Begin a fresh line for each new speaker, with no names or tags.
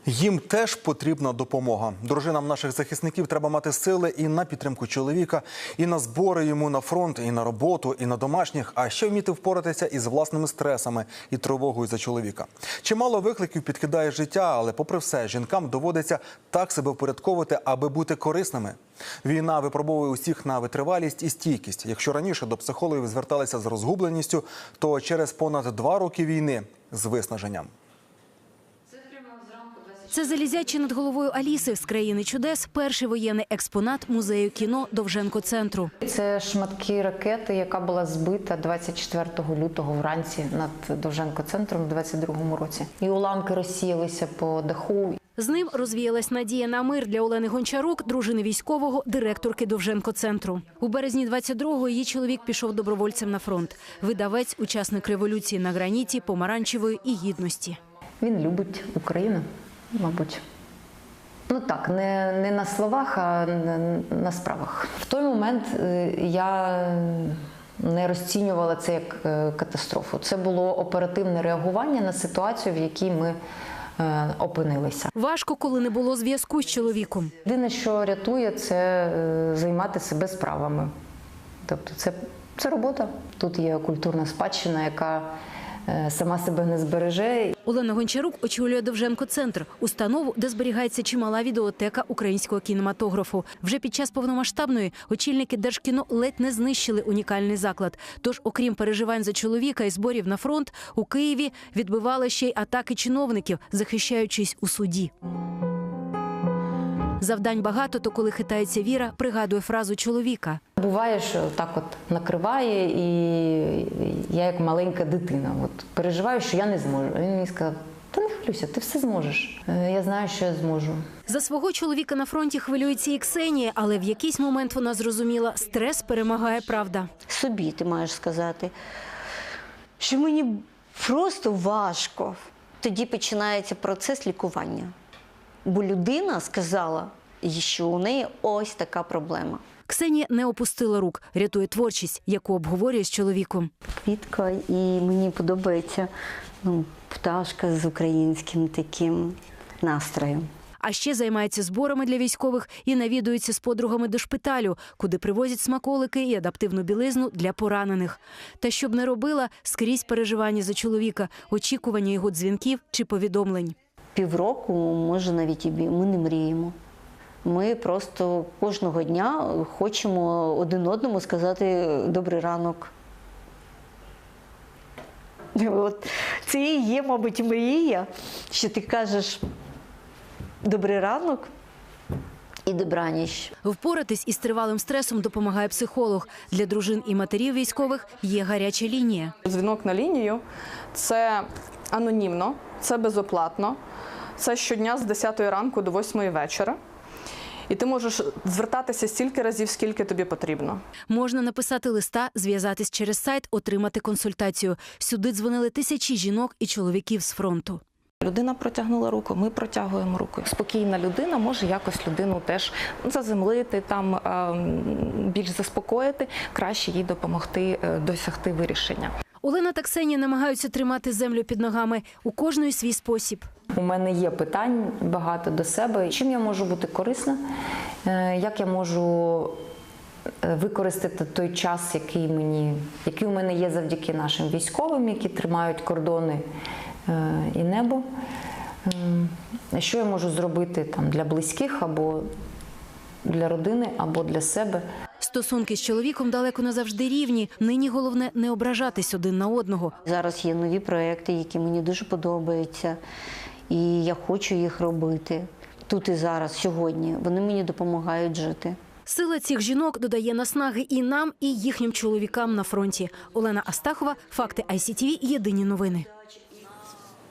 Їм теж потрібна допомога. Дружинам наших захисників треба мати сили і на підтримку чоловіка, і на збори йому на фронт, і на роботу, і на домашніх, а ще вміти впоратися із власними стресами і тривогою за чоловіка. Чимало викликів підкидає життя, але попри все, жінкам доводиться так себе впорядковувати, аби бути корисними. Війна випробовує усіх на витривалість і стійкість. Якщо раніше до психологів зверталися з розгубленістю, то через понад 2 роки війни – з виснаженням.
Це залізячі над головою Аліси з країни чудес, перший воєнний експонат музею кіно Довженко-центру.
Це шматки ракети, яка була збита 24 лютого вранці над Довженко-центром у 22-му році. І уламки розсіялися по даху.
З ним розвіялась надія на мир для Олени Гончарук, дружини військового, директорки Довженко-центру. У березні 22-го її чоловік пішов добровольцем на фронт. Видавець, учасник революції на граніті, помаранчевої і гідності.
Він любить Україну. Мабуть. Ну так, не на словах, а на справах. В той момент я не розцінювала це як катастрофу. Це було оперативне реагування на ситуацію, в якій ми опинилися.
Важко, коли не було зв'язку з чоловіком.
Єдине, що рятує, це займати себе справами. Тобто це робота. Тут є культурна спадщина, яка сама себе не збереже.
Олена Гончарук очолює Довженко-центр – установу, де зберігається чимала відеотека українського кінематографу. Вже під час повномасштабної очільники Держкіно ледь не знищили унікальний заклад. Тож, окрім переживань за чоловіка і зборів на фронт, у Києві відбивали ще й атаки чиновників, захищаючись у суді. Завдань багато, то коли хитається віра, пригадує фразу чоловіка.
Буває, що так от накриває, і я як маленька дитина переживаю, що я не зможу. Він мені сказав: "Та не хвилюйся, ти все зможеш". Я знаю, що я зможу.
За свого чоловіка на фронті хвилюється і Ксенія, але в якийсь момент вона зрозуміла – стрес перемагає правда.
Собі ти маєш сказати, що мені просто важко. Тоді починається процес лікування. Бо людина сказала, що у неї ось така проблема.
Ксенія не опустила рук, рятує творчість, яку обговорює з чоловіком.
Квітка, і мені подобається пташка з українським таким настроєм.
А ще займається зборами для військових і навідується з подругами до шпиталю, куди привозять смаколики і адаптивну білизну для поранених. Та щоб не робила, скрізь переживання за чоловіка, очікування його дзвінків чи повідомлень.
Півроку, може навіть і ми не мріємо. Ми просто кожного дня хочемо один одному сказати «добрий ранок». От це і є, мабуть, мрія, що ти кажеш «добрий ранок» і «добраніч».
Впоратись із тривалим стресом допомагає психолог. Для дружин і матерів військових є гаряча лінія.
Дзвінок на лінію – це анонімно, це безоплатно. Це щодня з 10 ранку до 8 вечора. І ти можеш звертатися стільки разів, скільки тобі потрібно.
Можна написати листа, зв'язатись через сайт, отримати консультацію. Сюди дзвонили тисячі жінок і чоловіків з фронту.
Людина протягнула руку, ми протягуємо руку. Спокійна людина може якось людину теж заземлити, більш заспокоїти, краще їй допомогти досягти вирішення.
Олена та Ксенія намагаються тримати землю під ногами. У кожної свій спосіб.
У мене є питань багато до себе. Чим я можу бути корисна? Як я можу використати той час, який у мене є завдяки нашим військовим, які тримають кордони і небо? Що я можу зробити для близьких, або для родини, або для себе?
Стосунки з чоловіком далеко не завжди рівні. Нині головне не ображатись один на одного.
Зараз є нові проекти, які мені дуже подобаються, і я хочу їх робити тут і зараз, сьогодні. Вони мені допомагають жити.
Сила цих жінок додає наснаги і нам, і їхнім чоловікам на фронті. Олена Астахова, факти ICTV, єдині новини.